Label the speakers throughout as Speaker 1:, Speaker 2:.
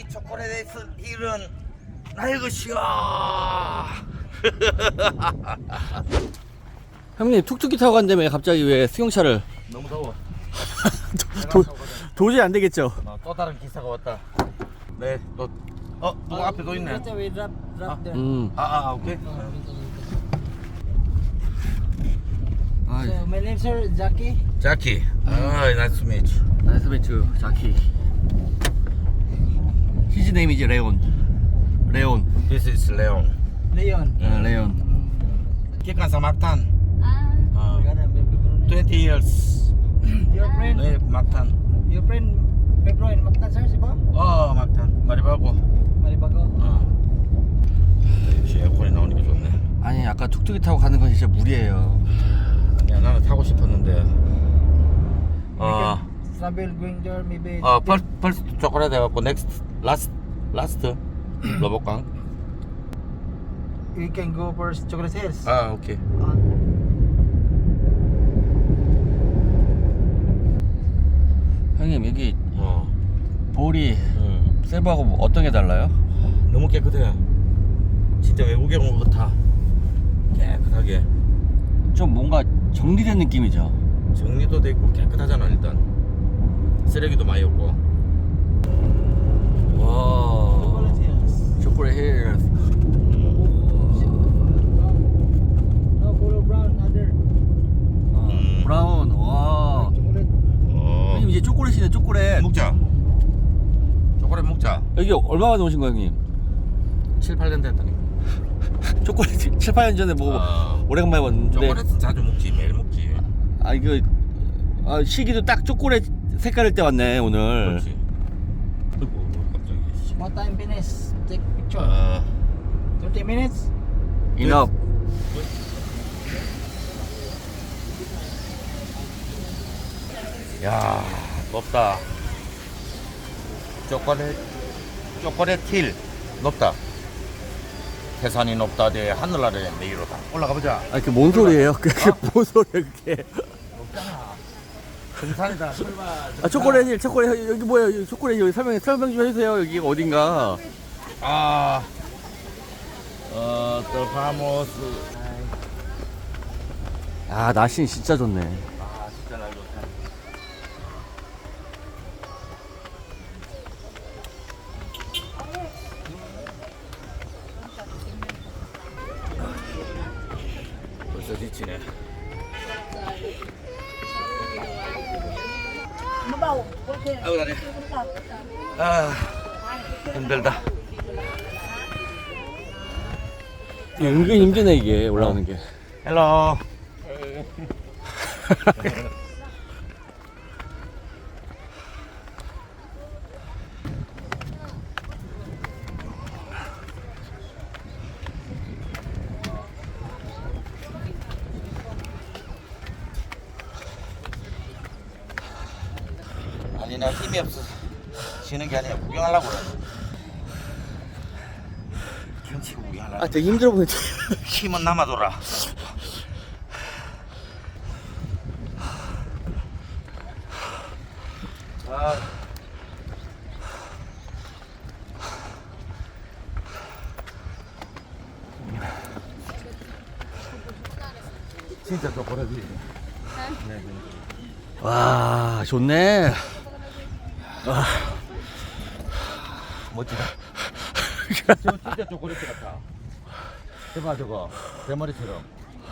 Speaker 1: 이 초콜릿 힐은 나의 것이야.
Speaker 2: 형님 툭툭이 타고 간다며 갑자기 왜 수용차를?
Speaker 1: 너무 더워.
Speaker 2: 도저히 안 되겠죠.
Speaker 1: 또 다른 기사가 왔다. 네, 또 누구 앞에 또 있네. 오케이.
Speaker 2: 아,
Speaker 3: So my name sir Jackie.
Speaker 1: 자키. nice to meet you.
Speaker 2: 나이스 매추 자키. His name is 레온. 레온.
Speaker 1: This is Leon.
Speaker 3: Leon.
Speaker 2: 레온.
Speaker 1: 기간사 막탄.
Speaker 3: Maganda, may background.
Speaker 1: 20 years.
Speaker 3: Your friend,
Speaker 1: 네, 막탄.
Speaker 3: your friend, Pedro and Mactan sir, si ba?
Speaker 1: 막탄. 마리바고.
Speaker 3: Maribago.
Speaker 1: 역시 에어컨이 나오니까 좋네.
Speaker 2: 아니 아까 툭툭이 타고 가는 건 진짜 무리예요.
Speaker 1: 아니야, 나는 타고 싶었는데.
Speaker 3: We can travel going there maybe.
Speaker 1: first 초콜릿 해갖고 next last 로봇강.
Speaker 3: We can go for chocolate hills.
Speaker 1: 오케이.
Speaker 2: 형님 여기 볼이 세부하고 뭐 어떤 게 달라요?
Speaker 1: 너무 깨끗해. 진짜 외국에 온 것 같아. 깨끗하게.
Speaker 2: 좀 뭔가 정리된 느낌이죠.
Speaker 1: 정리도 돼 있고 깨끗하잖아 일단. 쓰레기도 많이 없고.
Speaker 2: 와.
Speaker 3: Chocolate hills.
Speaker 2: 초콜릿 힐.
Speaker 3: No, color brown other.
Speaker 2: 브라운. 와.
Speaker 3: Chocolate.
Speaker 2: 형님 이제 초콜릿이네 초콜릿.
Speaker 1: 먹자. 초콜릿 먹자.
Speaker 2: 여기 얼마 만에 오신 거예요 형님?
Speaker 1: 7, 8년 됐다니까.
Speaker 2: 초콜릿 7, 8년 전에 뭐 오래간만에 왔는데.
Speaker 1: 초콜릿은 자주 먹지. 매일 먹지.
Speaker 2: 아 이거 시기도 딱 초콜릿 색깔일 때 왔네 오늘.
Speaker 1: 그렇지. 아이고 갑자기.
Speaker 3: What time finish? Take picture. 30 minutes?
Speaker 2: Enough.
Speaker 1: 야, 높다. 초콜릿 힐 높다. 태산이 높다. 대 하늘 아래 내리로다. 올라가 보자.
Speaker 2: 아 그게 뭔 소리예요? 그게 뭔 소리예요 그게?
Speaker 1: 높잖아. 등산이다. 설마.
Speaker 2: 아 초콜릿 여기 뭐예요? 여기 초콜릿 여기 설명 좀 해주세요. 여기 어딘가.
Speaker 1: 또 파모스.
Speaker 2: 아 날씨 진짜 좋네.
Speaker 1: 진짜 날 좋다. 벌써 지치네. 아이고 다리. 힘들다.
Speaker 2: 은근 힘드네 이게 올라오는 게.
Speaker 1: 헬로. 아니 나 힘이 없어서 쉬는 게 아니라 구경하려고 그래. 경치 구경하려고.
Speaker 2: 아 되게 힘들어 보이지.
Speaker 1: 힘은 남아돌아. 진짜 초콜릿이.
Speaker 2: 와 좋네.
Speaker 1: 멋지다. 저 진짜 초콜릿 같아. 대박 저거 대머리처럼.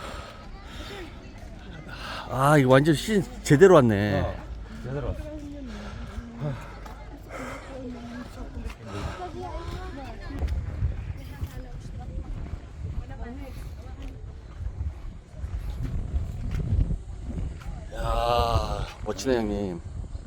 Speaker 2: 아 이거 완전 시즌 제대로 왔네.
Speaker 1: 제대로.
Speaker 2: 야 멋지네 형님.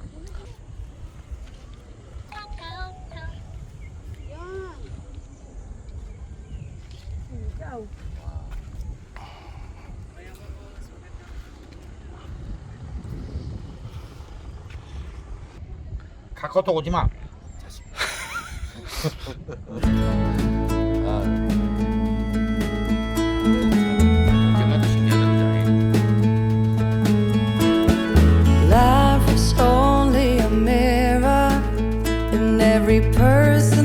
Speaker 1: 카카오톡 오지 마. 영화도 신기하다
Speaker 4: Life is only a mirror, and every person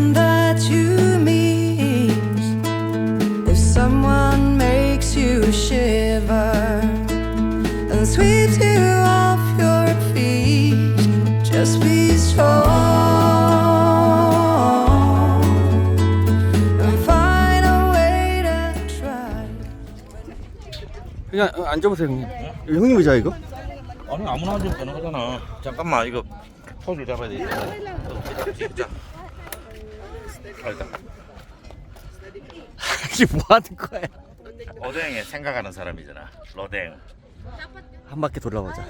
Speaker 2: 그냥 앉아보세요 형님. 이거 형님 의자 이거?
Speaker 1: 아니 아무나 앉아도 되는 거잖아. 잠깐만 이거 포즈를 잡아야 되겠다. 자. 일단
Speaker 2: 이게 뭐 하는 거야?
Speaker 1: 오뎅에 생각하는 사람이잖아. 로댕.
Speaker 2: 한 바퀴 돌아보자.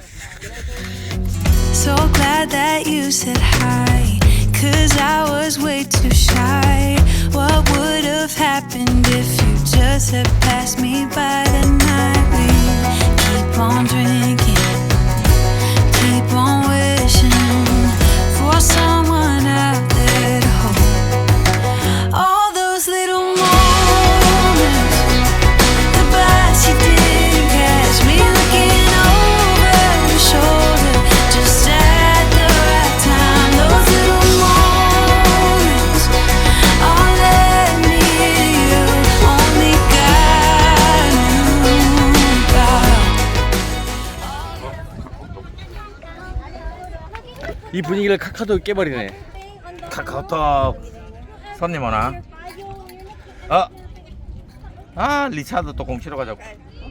Speaker 4: So glad that you said hi, 'cause I was way too shy. What would have happened if you just had passed me by tonight? We keep on drinking, keep on wishing for someone out there to hold. All those little moments, the bites you didn't catch me looking over your shoulder, just at the right time. Those little moments all led me to you. Only God knew about.
Speaker 2: 이 분위기를 카카오톡 깨버리네.
Speaker 1: 카카오톡 손님 오나? 리차드 또 공치러 가자고.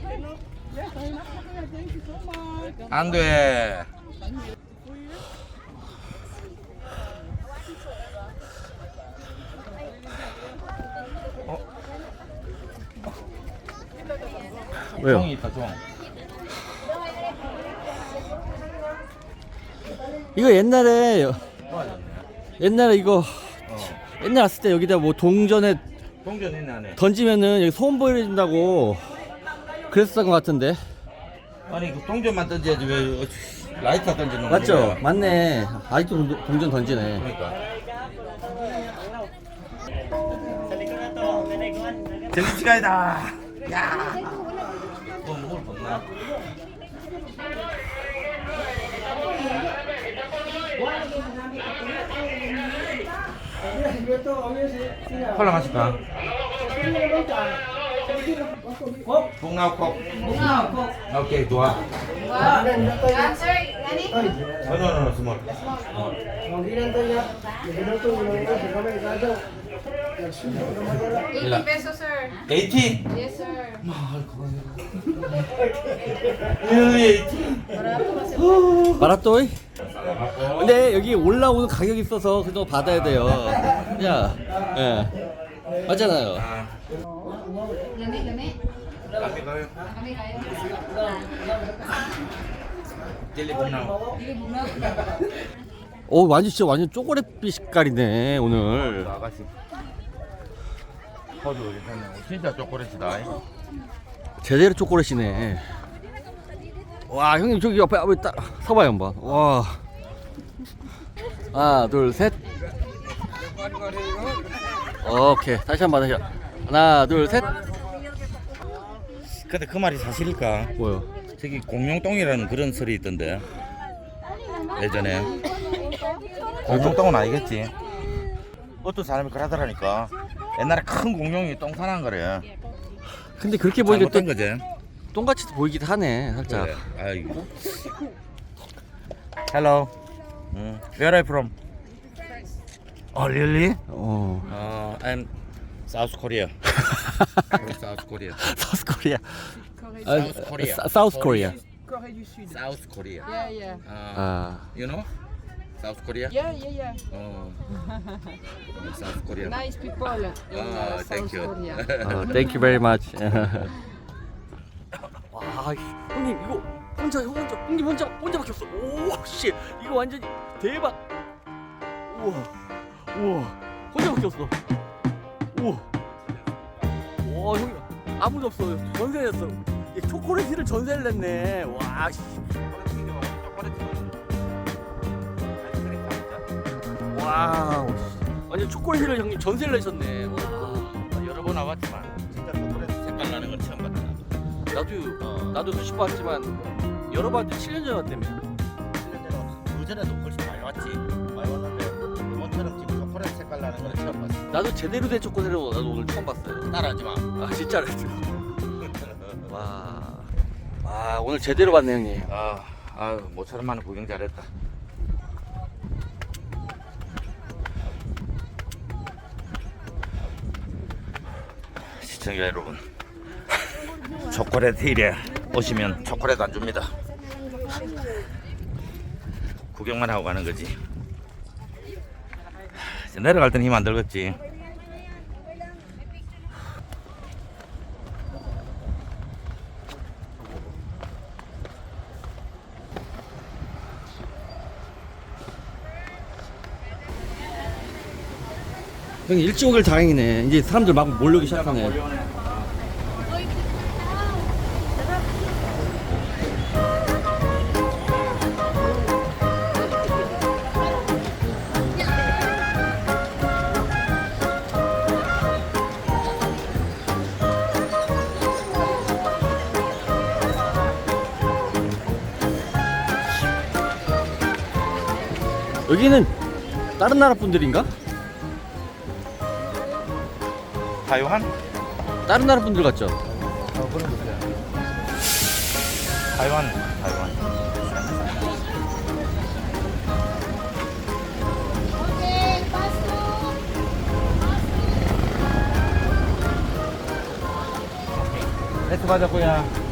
Speaker 1: 안 돼.
Speaker 2: 왜요?
Speaker 1: 종이 있다 종.
Speaker 2: 이거 옛날에 이거 옛날 왔을 때 여기다 뭐 동전에
Speaker 1: 동전 있네 안에.
Speaker 2: 던지면은 여기 소음 보여준다고 그랬었던 것 같은데.
Speaker 1: 아니 그 동전만 던져야지 왜 라이터 던지는 거야?
Speaker 2: 맞죠? 맞네. 아직도 동전 던지네.
Speaker 1: 그러니까. 젤리치가이다. 야. 뭐 먹을 거 없나? 콜라 마실까? 콩나우콕. 오케이 좋아. no, small.
Speaker 5: $80 pesos, sir.
Speaker 1: 80?
Speaker 5: Yes, sir.
Speaker 1: really 80?
Speaker 2: 마라또이? 근데 여기 올라오는 가격이 있어서 그거 받아야 돼요. 야, 예, 맞잖아요.
Speaker 5: Lami, lami.
Speaker 1: Kami kayo.
Speaker 5: Kami kayo.
Speaker 1: Dili 콩나우.
Speaker 2: 오, 완전 진짜 완전 쪼그레빛 색깔이네 오늘.
Speaker 1: 아가씨. 허리 괜찮네. 진짜 초콜릿이다.
Speaker 2: 제대로 초콜릿이네. 와, 형님 저기 옆에 딱 서봐요 한번. 와, 하나, 둘, 셋. 오케이, 다시 한번 다시. 하나, 둘, 셋.
Speaker 1: 근데 그 말이 사실일까?
Speaker 2: 뭐요?
Speaker 1: 저기 공룡똥이라는 그런 설이 있던데. 예전에. 공룡똥은 아니겠지. 어떤 사람이 그러더라니까. 옛날에 큰 공룡이 똥 사난 거래.
Speaker 2: 근데 그렇게 보니까 또
Speaker 1: 잘못된 거지.
Speaker 2: 똥같이 보이기도 하네 살짝.
Speaker 1: 그래. 아이고. Hello. Where are you from? Oh, really? I'm South Korea. South Korea.
Speaker 2: 사우스 코리아.
Speaker 1: South Korea.
Speaker 2: 사우스 코리아.
Speaker 1: South Korea.
Speaker 5: Yeah, yeah.
Speaker 2: 아,
Speaker 1: You know? South Korea?
Speaker 5: Yeah, yeah, yeah.
Speaker 1: Oh. South Korea.
Speaker 5: Nice people in
Speaker 1: thank
Speaker 5: South
Speaker 1: you.
Speaker 5: Korea.
Speaker 2: thank you very much. 와, 형님 이거 형님 혼자밖에 없어. 오, 씨, 이거 완전 대박. 우와, 혼자밖에 없어. 우와, 와, 형님 아무도 없어. 전세냈어. 초콜릿을 전세를 냈네. 와, 씨. 와, 완전 초콜릿을 형님 전세를 내셨네. 와.
Speaker 1: 여러 번 와봤지만 진짜 초콜릿 색깔 나는 건 처음 봤다.
Speaker 2: 나도 수십 번 왔지만 여러 번 7년 전에 왔다며.
Speaker 1: 7년 전에 그 전에도 훨씬 많이 왔지. 많이 왔는데 이번처럼 지금 초콜릿 색깔 나는 건 처음 봤어.
Speaker 2: 나도 제대로 된 초콜릿을 나도 오늘 처음 봤어요.
Speaker 1: 따라하지 마.
Speaker 2: 아, 진짜로. 와, 오늘 제대로 봤네 형님.
Speaker 1: 모처럼만 구경 잘했다. 시청자 여러분, 초콜릿 힐에 오시면 초콜릿 안 줍니다. 구경만 하고 가는 거지. 내려갈 때는 힘 안 들겠지.
Speaker 2: 형님 일찍 오길 다행이네. 이제 사람들 막 몰려오기 시작하네. 여기는 다른 나라 분들인가?
Speaker 1: 타이완?
Speaker 2: 다른 나라 분들 같죠?
Speaker 1: 타이완. 레트 받았고요.